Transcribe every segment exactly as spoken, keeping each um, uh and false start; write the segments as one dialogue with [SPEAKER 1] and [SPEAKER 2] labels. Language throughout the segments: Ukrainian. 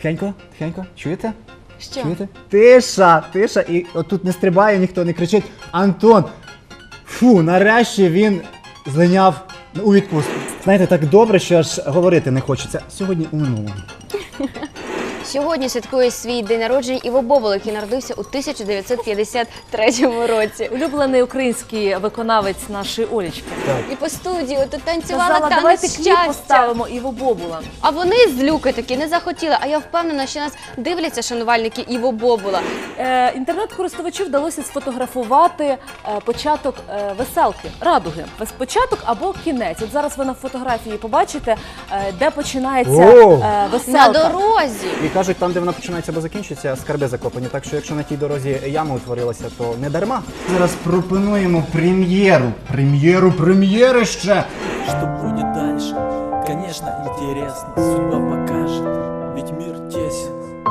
[SPEAKER 1] Тихенько, тихенько. Чуєте?
[SPEAKER 2] Що?
[SPEAKER 1] Чуєте? Тиша, тиша. І отут не стрибає, ніхто не кричить. Антон, фу, нарешті він злиняв у відпустку. Знаєте, так добре, що аж говорити не хочеться. Сьогодні у минулому.
[SPEAKER 2] Сьогодні святкує свій день народження Іво Бобул, який народився у тисяча дев'ятсот п'ятдесят третьому році.
[SPEAKER 3] Улюблений український виконавець нашої Олечки.
[SPEAKER 2] І по студії тут танцювала
[SPEAKER 3] Сказала,
[SPEAKER 2] танець
[SPEAKER 3] давайте кліп
[SPEAKER 2] щастя.
[SPEAKER 3] поставимо Іво Бобула.
[SPEAKER 2] А вони з Люки таки не захотіли. А я впевнена, що нас дивляться шанувальники Іво Бобула.
[SPEAKER 3] Е, інтернет-користувачу вдалося сфотографувати е, початок е, веселки, радуги. Без початок або кінець. От зараз ви на фотографії побачите, е, де починається
[SPEAKER 1] О!
[SPEAKER 3] е, веселка.
[SPEAKER 2] На дорозі.
[SPEAKER 1] І кажуть, там, де вона починається або закінчується, скарби закопані. Так що, якщо на тій дорозі яма утворилася, то не дарма. Зараз пропонуємо прем'єру. Прем'єру, прем'єри ще.
[SPEAKER 4] Что будет дальше? Конечно, интересно, судьба покажет, ведь мир тесен.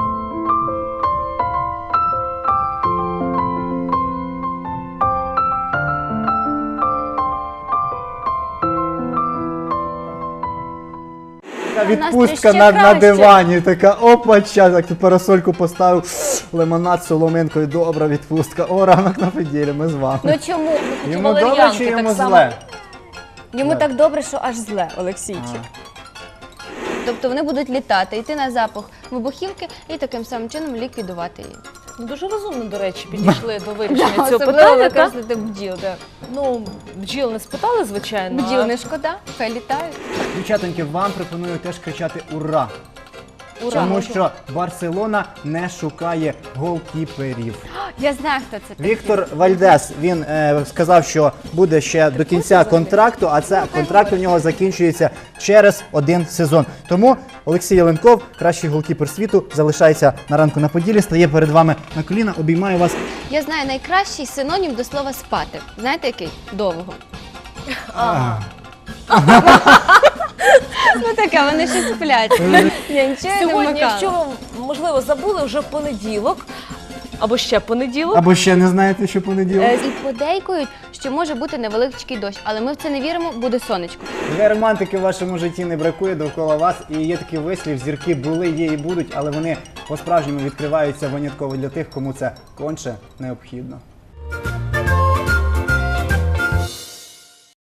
[SPEAKER 1] Така
[SPEAKER 2] У нас
[SPEAKER 1] відпустка
[SPEAKER 2] ще
[SPEAKER 1] на, на
[SPEAKER 2] краще.
[SPEAKER 1] дивані, така опача, так тут парасольку поставив, лимонад з соломинкою, добра відпустка. О, ранок на поділі, ми з вами.
[SPEAKER 2] Ну чому?
[SPEAKER 1] Йому добре
[SPEAKER 3] валер'янки
[SPEAKER 1] чи
[SPEAKER 3] так
[SPEAKER 1] йому
[SPEAKER 3] само.
[SPEAKER 1] зле?
[SPEAKER 2] Йому
[SPEAKER 1] Так.
[SPEAKER 2] так добре, що аж зле, Олексійчик. Тобто вони будуть літати, йти на запах вибухівки і таким самим чином ліквідувати її.
[SPEAKER 3] Ну, дуже розумно, до речі, підійшли до вирішення цього
[SPEAKER 2] Особливо
[SPEAKER 3] питання. так?
[SPEAKER 2] використати бджіл. Да.
[SPEAKER 3] Ну, бджіл не спитали, звичайно.
[SPEAKER 2] Бджіл
[SPEAKER 3] а-
[SPEAKER 2] не шкода, хай літають.
[SPEAKER 1] Дівчатоньки, вам пропоную теж кричати «Ура!».
[SPEAKER 3] Ура.
[SPEAKER 1] Тому що Барселона не шукає голкіперів.
[SPEAKER 2] Я знаю, хто це такий.
[SPEAKER 1] Віктор Вальдес, він е, сказав, що буде ще до кінця контракту, а це контракт у нього закінчується через один сезон. Тому Олексій Яленков, кращий голкіпер світу, залишається на ранку на Поділі, стає перед вами на коліна, обіймає вас.
[SPEAKER 2] Я знаю найкращий синонім до слова спати. Знаєте який? Довго. Ну таке, вони ще сплять. Я нічого не
[SPEAKER 3] Сьогодні,
[SPEAKER 2] вмикала.
[SPEAKER 3] якщо ви, можливо, забули, вже понеділок, або ще понеділок.
[SPEAKER 1] Або ще не знаєте, що понеділок.
[SPEAKER 2] Е, І подейкують, що може бути невеличкий дощ, але ми в це не віримо, буде сонечко.
[SPEAKER 1] Вже романтики в вашому житті не бракує довкола вас. І є такий вислів, зірки були, є і будуть, але вони по-справжньому відкриваються винятково для тих, кому це конче необхідно.